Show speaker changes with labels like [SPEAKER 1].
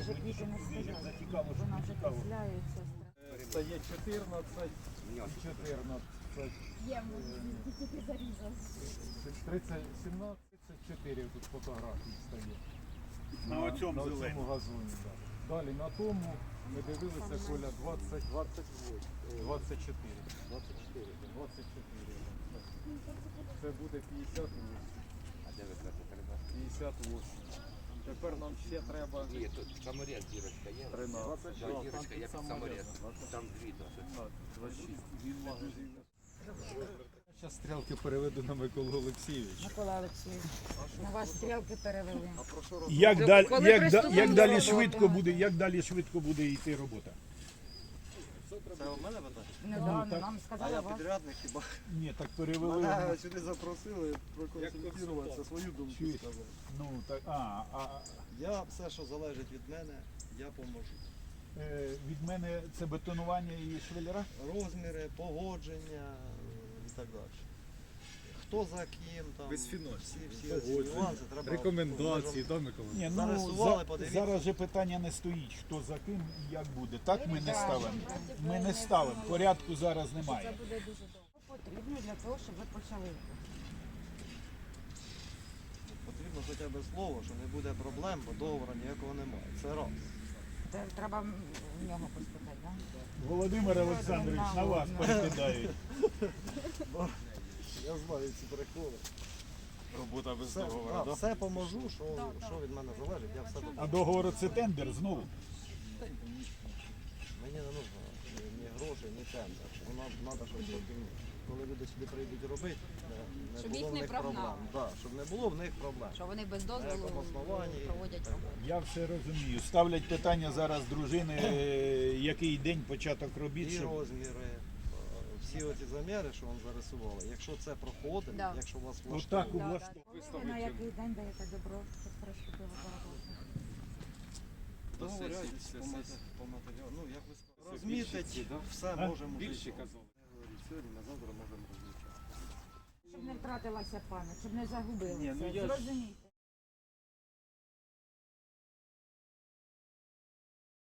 [SPEAKER 1] вже квіти не стоять.
[SPEAKER 2] Зацікаво,
[SPEAKER 1] Вона
[SPEAKER 2] що
[SPEAKER 1] вже
[SPEAKER 2] цікаво.
[SPEAKER 1] кисляється.
[SPEAKER 2] Стає 14, 14,
[SPEAKER 1] Є, тільки зарізав.
[SPEAKER 2] 30, 17, 34 тут фотографій стає.
[SPEAKER 3] На цьому
[SPEAKER 2] на
[SPEAKER 3] зеленому.
[SPEAKER 2] цьому газоні. Да. Далі на тому ми дивилися, Коля, 20, 24. 24. 24. Це буде 58.
[SPEAKER 4] А де ви кажете, треба?
[SPEAKER 2] 58. Тепер нам ще треба
[SPEAKER 4] Ні, тут саморез дірочка є.
[SPEAKER 2] 13.
[SPEAKER 4] Да, дірочка, я під саморез. Там дві досить.
[SPEAKER 2] 26. Він магазин. Зараз стрілки переведу на Миколу Олексійовича.
[SPEAKER 1] Микола Олексійович, на вас стрілки перевели.
[SPEAKER 5] Як далі,
[SPEAKER 1] Коли приступили
[SPEAKER 5] як далі
[SPEAKER 1] до
[SPEAKER 5] швидко
[SPEAKER 1] роботи?
[SPEAKER 5] буде, як далі швидко буде йти робота?
[SPEAKER 6] Це у мене питання?
[SPEAKER 1] Недавно
[SPEAKER 2] так.
[SPEAKER 1] нам
[SPEAKER 6] А
[SPEAKER 1] сказали
[SPEAKER 6] я
[SPEAKER 1] вас.
[SPEAKER 6] підрядник хіба?
[SPEAKER 2] Ні, так перевели.
[SPEAKER 6] Мене сюди запросили проконсультуватися, свою думку
[SPEAKER 2] Чуєш?
[SPEAKER 6] сказати.
[SPEAKER 2] Ну, так,
[SPEAKER 6] Я все, що залежить від мене, я поможу.
[SPEAKER 2] від мене це бетонування і швеллера?
[SPEAKER 6] Розміри, погодження і так далі. Хто за ким, там, всі ці нюанси треба...
[SPEAKER 3] Рекомендації, так, Микола?
[SPEAKER 2] Ні,
[SPEAKER 6] Зарисували, подивіться.
[SPEAKER 2] зараз же питання не стоїть, хто за ким і як буде. Так ми не ставимо. Ми не ставимо. Порядку зараз
[SPEAKER 1] Це
[SPEAKER 2] немає.
[SPEAKER 1] буде дуже довго. Потрібно для того, щоб ви почали.
[SPEAKER 6] Потрібно хоча б слово, що не буде проблем, бо договору ніякого немає. Це раз.
[SPEAKER 1] Це треба в нього поспитати, так?
[SPEAKER 2] Володимир Олександрович, на вас перекидають.
[SPEAKER 6] Я знаю ці приколи.
[SPEAKER 3] Робота без
[SPEAKER 6] Все, все поможу, що від мене залежить, я все
[SPEAKER 2] А
[SPEAKER 6] допоможу.
[SPEAKER 2] договор це тендер знову.
[SPEAKER 6] Мені не потрібно ні гроші, ні тендер. Воно треба, щоб коли люди сюди прийдуть робити, не
[SPEAKER 7] Щоб
[SPEAKER 6] було
[SPEAKER 7] їх
[SPEAKER 6] в
[SPEAKER 7] не
[SPEAKER 6] них
[SPEAKER 7] прогнали.
[SPEAKER 6] проблем. Да, щоб не було в них проблем.
[SPEAKER 7] Що вони без
[SPEAKER 6] На
[SPEAKER 7] дозволу
[SPEAKER 6] якому основанні
[SPEAKER 7] проводять
[SPEAKER 6] і так
[SPEAKER 7] роботу.
[SPEAKER 2] Я все розумію. Ставлять питання зараз дружини, який день початок робіт.
[SPEAKER 6] І
[SPEAKER 2] щоб-
[SPEAKER 6] розміри, всі оці заміри, що вам зарисували, якщо це проходить,
[SPEAKER 7] Да.
[SPEAKER 6] якщо у вас
[SPEAKER 2] Ну так
[SPEAKER 6] влаштовує,
[SPEAKER 2] влаштовує.
[SPEAKER 1] На який день даєте добро, щоб приступили до роботи?
[SPEAKER 6] договоряйтесь по матеріалу. Ну, як ви сказали, розмітить, все можемо вже.
[SPEAKER 3] Більше казали.
[SPEAKER 6] Сьогодні, на завтра можемо розмітити.
[SPEAKER 1] Щоб не втратилася пам'ять, щоб не загубилася.
[SPEAKER 3] Ні, ну я ж-
[SPEAKER 1] Зрозумійте.